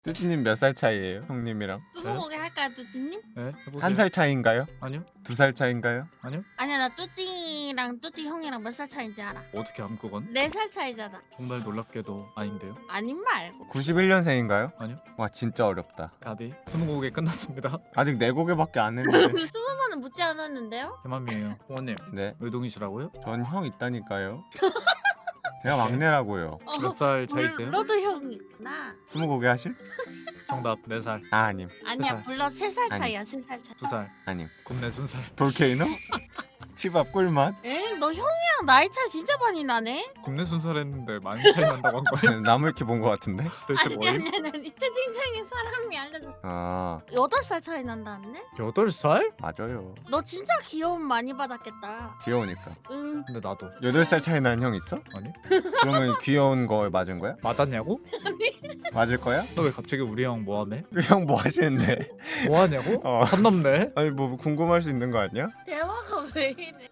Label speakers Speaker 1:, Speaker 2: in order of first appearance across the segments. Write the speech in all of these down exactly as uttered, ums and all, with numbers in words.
Speaker 1: 뚜띠님 몇 살 차이예요? 형님이랑?
Speaker 2: 스무고개 할까요, 뚜띠님?
Speaker 3: 네, 해보세요.
Speaker 1: 한 살 차이인가요?
Speaker 3: 아니요,
Speaker 1: 두 살 차이인가요?
Speaker 3: 아니요.
Speaker 2: 아니야, 나 뚜띠랑 뚜띠 형이랑 몇 살 차이인지 알아.
Speaker 3: 어떻게 함 그건?
Speaker 2: 네 살 차이잖아.
Speaker 3: 정말 놀랍게도 아닌데요.
Speaker 2: 아닌 말고.
Speaker 1: 구십일 년생인가요?
Speaker 3: 아니요.
Speaker 1: 와 진짜 어렵다.
Speaker 3: 가비 스무고개 끝났습니다.
Speaker 1: 아직 네 곡에밖에 안 했는데.
Speaker 2: 스무 번은 묻지 않았는데요?
Speaker 3: 대만이에요. 홍원님
Speaker 1: 네,
Speaker 3: 의동이시라고요?
Speaker 1: 전 형 있다니까요. 제가 막내라고요.
Speaker 2: 어,
Speaker 3: 몇 살 차이세요?
Speaker 2: 불러도 형이구나.
Speaker 1: 스무 곡에 하실?
Speaker 3: 정답 네 살,
Speaker 1: 아 아님,
Speaker 2: 아니야,
Speaker 3: 살.
Speaker 2: 불러 세 살
Speaker 1: 아니.
Speaker 2: 차이야, 세 살 차이.
Speaker 3: 두 살,
Speaker 1: 아님.
Speaker 3: 굽네 순 살.
Speaker 1: 볼케이노? 치밥 꿀맛?
Speaker 2: 엥, 너 형이랑 나이 차 진짜 많이 나네?
Speaker 3: 굽네 순 살 했는데 많이 차이 난다고 한 거예요?
Speaker 1: 나무위키 본 것 같은데?
Speaker 3: 도대체
Speaker 2: 아니,
Speaker 3: 뭐예요?
Speaker 2: 아니, 아니, 아니. 채팅창에 사람이 알려줬어.
Speaker 1: 아
Speaker 2: 여덟 살 차이 난다는데?
Speaker 3: 여덟 살?
Speaker 1: 맞아요.
Speaker 2: 너 진짜 귀여움 많이 받았겠다.
Speaker 1: 귀여우니까.
Speaker 2: 응.
Speaker 3: 근데 나도
Speaker 1: 여덟 살 차이 나는 형 있어?
Speaker 3: 아니
Speaker 1: 그러면 귀여운 거 맞은 거야?
Speaker 3: 맞았냐고?
Speaker 1: 맞을 거야?
Speaker 3: 너 왜 갑자기 우리 형 뭐하네?
Speaker 1: 형 뭐 하시는데?
Speaker 3: 뭐하냐고?
Speaker 1: 어.
Speaker 3: 선 넘네.
Speaker 1: 아니 뭐 궁금할 수 있는 거 아니야?
Speaker 2: 대화가 왜 이래?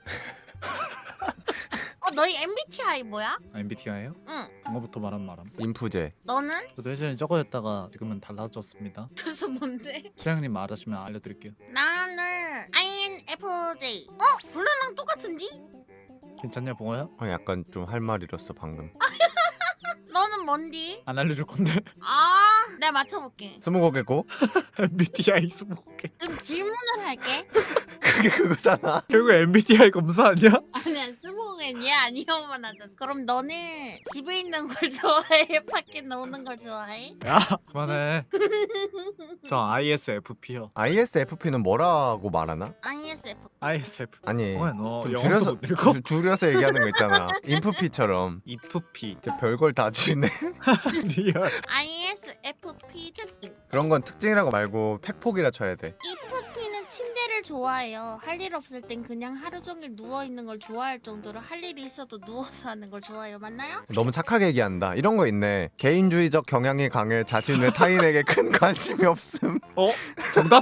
Speaker 2: 어, 너희 엠비티아이 뭐야?
Speaker 3: 아, 엠비티아이요?
Speaker 2: 응.
Speaker 3: 영어부터 말한 말함.
Speaker 1: 인프제.
Speaker 2: 너는?
Speaker 3: 저도 예전에 저거였다가 지금은 달라졌습니다.
Speaker 2: 그래서 뭔데?
Speaker 3: 수량님 알아시면 알려드릴게요.
Speaker 2: 나는 아이엔에프제이. 어? 블루랑 똑같은지?
Speaker 3: 괜찮냐 봉호야?
Speaker 1: 형 약간 좀 할 말 잃었어 방금.
Speaker 2: 너는 뭔디?
Speaker 3: 안 알려줄 건데.
Speaker 2: 아, 내가 맞춰볼게.
Speaker 1: 스무 곡에고?
Speaker 3: 엠비티아이 스무고개.
Speaker 2: 그럼 질문을 할게.
Speaker 1: 그게 그거잖아.
Speaker 3: 결국 엠비티아이 검사 아니야?
Speaker 2: 아니야, 스모겐 얘 아니오만 하잖아. 그럼 너는 집에 있는 걸 좋아해? 밖에 노는 걸 좋아해?
Speaker 3: 야 그만해. 저 아이에스에프피요.
Speaker 1: 아이에스에프피는 뭐라고 말하나?
Speaker 2: 아이에스에프.
Speaker 3: 아이에스에프.
Speaker 1: 아니
Speaker 3: 봉호야 너
Speaker 1: 좀
Speaker 3: 영어도
Speaker 1: 줄여서
Speaker 3: 못 읽어?
Speaker 1: 줄- 줄여서 얘기하는 거 있잖아. 인프피처럼.
Speaker 3: 이프피.
Speaker 1: 이제 별걸 다 주시네.
Speaker 3: 리얼.
Speaker 2: 아이에스에프피 특징.
Speaker 1: 그런 건 특징이라고 말고 팩폭이라 쳐야 돼.
Speaker 2: 이프피는 침대를 좋아해요. 할 일 없을 땐 그냥 하루 종일 누워 있는 걸 좋아할 정도로 할 일이 있어도 누워서 하는 걸 좋아해요. 맞나요?
Speaker 1: 너무 착하게 얘기한다. 이런 거 있네. 개인주의적 경향이 강해 자신의 타인에게 큰 관심이 없음.
Speaker 3: 어? 정답?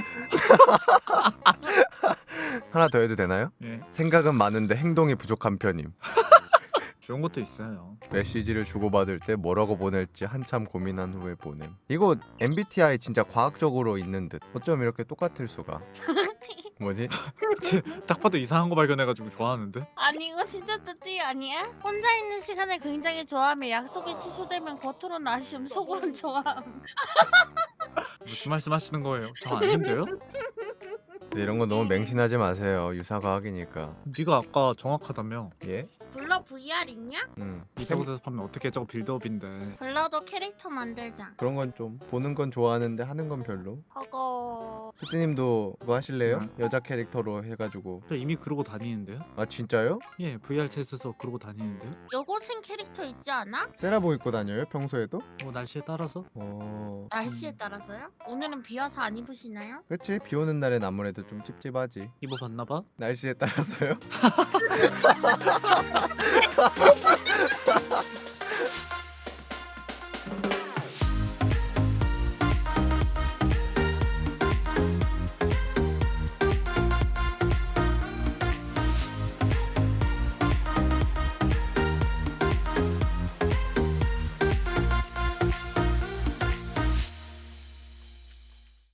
Speaker 1: 하나 더 해도 되나요?
Speaker 3: 예.
Speaker 1: 생각은 많은데 행동이 부족한 편임.
Speaker 3: 좋은 것도 있어요.
Speaker 1: 메시지를 주고받을 때 뭐라고 보낼지 한참 고민한 후에 보냄. 이거 엠비티아이 진짜 과학적으로 있는 듯. 어쩜 이렇게 똑같을 수가. 뭐지?
Speaker 3: 딱 봐도 이상한 거 발견해가지고 좋아하는데.
Speaker 2: 아니 이거 진짜 뜻이 아니야? 혼자 있는 시간을 굉장히 좋아하며 약속이 취소되면 겉으로는 아쉬움 속으로는 좋아함.
Speaker 3: 무슨 말씀하시는 거예요? 저 아닌데요?
Speaker 1: 근데 이런 거 너무 맹신하지 마세요. 유사과학이니까.
Speaker 3: 네가 아까 정확하다며.
Speaker 1: 예?
Speaker 2: 블러 브이알 있냐?
Speaker 1: 음.
Speaker 3: 이따고 대답하면 어떻게 저거 빌드업인데.
Speaker 2: 블러도 캐릭터 만들자.
Speaker 1: 그런 건 좀 보는 건 좋아하는데 하는 건 별로.
Speaker 2: 그거
Speaker 1: 푸띠님도 그거 하실래요?
Speaker 3: 응.
Speaker 1: 여자 캐릭터로 해가지고.
Speaker 3: 저 이미 그러고 다니는데요?
Speaker 1: 아 진짜요?
Speaker 3: 예, 브이알 챗에서 그러고 다니는데요?
Speaker 2: 여고생 캐릭터 있지 않아?
Speaker 1: 세라보 입고 다녀요? 평소에도?
Speaker 3: 뭐 날씨에 따라서?
Speaker 1: 어...
Speaker 2: 날씨에 따라서요? 오늘은 비 와서 안 입으시나요?
Speaker 1: 그치? 비 오는 날엔 아무래도 좀 찝찝하지.
Speaker 3: 입어봤나봐?
Speaker 1: 날씨에 따라서요?